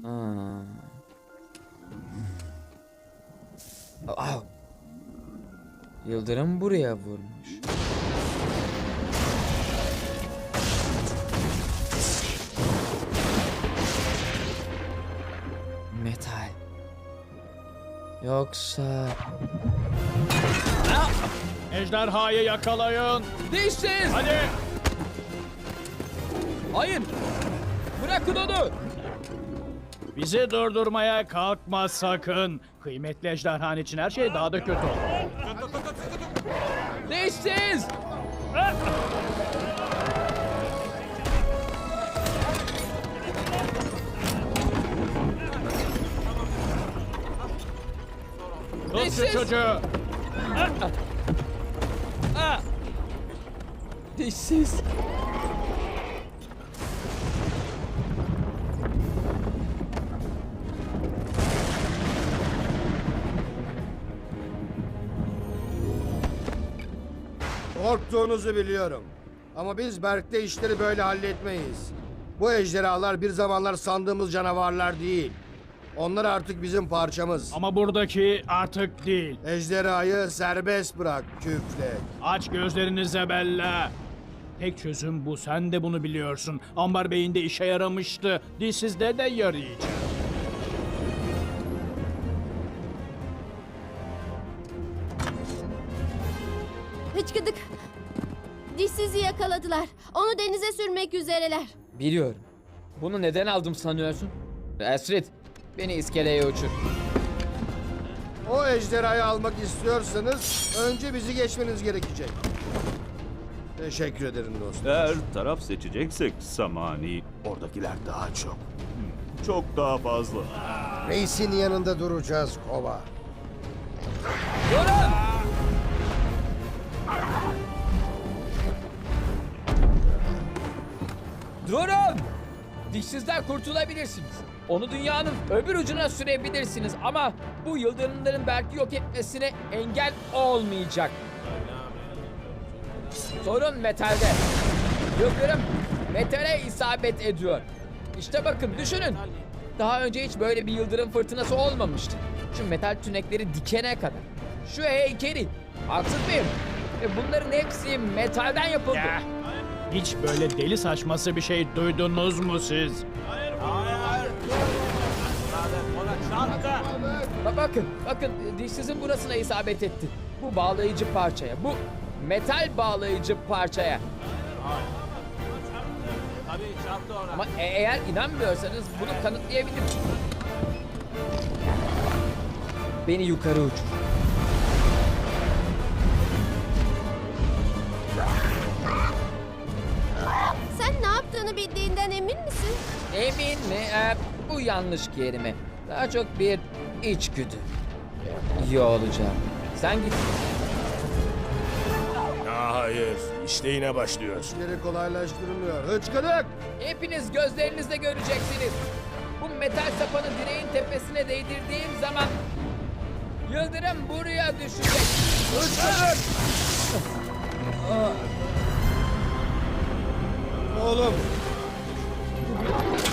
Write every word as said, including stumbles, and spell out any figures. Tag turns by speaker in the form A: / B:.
A: Aa. Aa. Yıldırım buraya vurmuş. Metal. Yoksa...
B: Ejderhayı yakalayın.
A: Dişsiz!
B: Hadi.
A: Hayır! Bırakın onu!
B: Bizi durdurmaya kalkma sakın. Kıymetli ejderhan için her şey daha da kötü olur.
A: Dişsiz!
B: Tut şu
A: Dişsiz!
B: çocuğu.
A: Aa! Dişsiz!
C: Korktuğunuzu biliyorum. Ama biz Berk'te işleri böyle halletmeyiz. Bu ejderhalar bir zamanlar sandığımız canavarlar değil. Onlar artık bizim parçamız.
B: Ama buradaki artık değil.
C: Ejderhayı serbest bırak küflek.
B: Aç gözlerinize Bella. Tek çözüm bu. Sen de bunu biliyorsun. Ambar Bey'in de işe yaramıştı. Dilsizde de yarayacak.
D: Hıçkıdık. Dişsizi yakaladılar. Onu denize sürmek üzereler.
A: Biliyorum. Bunu neden aldım sanıyorsun? Esrit, beni iskeleye uçur.
C: O ejderhayı almak istiyorsanız önce bizi geçmeniz gerekecek. Teşekkür ederim dostum.
E: Eğer taraf seçeceksek Samani, oradakiler daha çok. Hmm, Çok daha fazla.
C: Reisin yanında duracağız kova.
A: Durun! Durun! Dişsizden kurtulabilirsiniz. Onu dünyanın öbür ucuna sürebilirsiniz ama bu yıldırımların belki yok etmesine engel olmayacak. Sorun metalde. Yıldırım metale isabet ediyor. İşte bakın düşünün. Daha önce hiç böyle bir yıldırım fırtınası olmamıştı. Şu metal tünekleri dikene kadar. Şu heykeli. Haksız mıyım? Ve bunların hepsi metalden yapıldı.
B: Ya, hiç böyle deli saçması bir şey duydunuz mu siz?
A: Ba- bakın, bakın dişsizin burasına isabet etti. Bu bağlayıcı parçaya, bu metal bağlayıcı parçaya. Ama e- eğer inanmıyorsanız bunu kanıtlayabilirim. Beni yukarı uçur.
D: Sen ne yaptığını bildiğinden emin misin?
A: Emin mi? Ee, bu yanlış kelime. Daha çok bir içgüdü. İyi olacağım. Sen git.
F: Hayır, işte yine başlıyor.
C: İşleri kolaylaştırmıyor. Hıçkıdık!
A: Hepiniz gözlerinizle göreceksiniz. Bu metal sapanı direğin tepesine değdirdiğim zaman yıldırım buraya düşecek.
C: Hıçkıdık! Oğlum!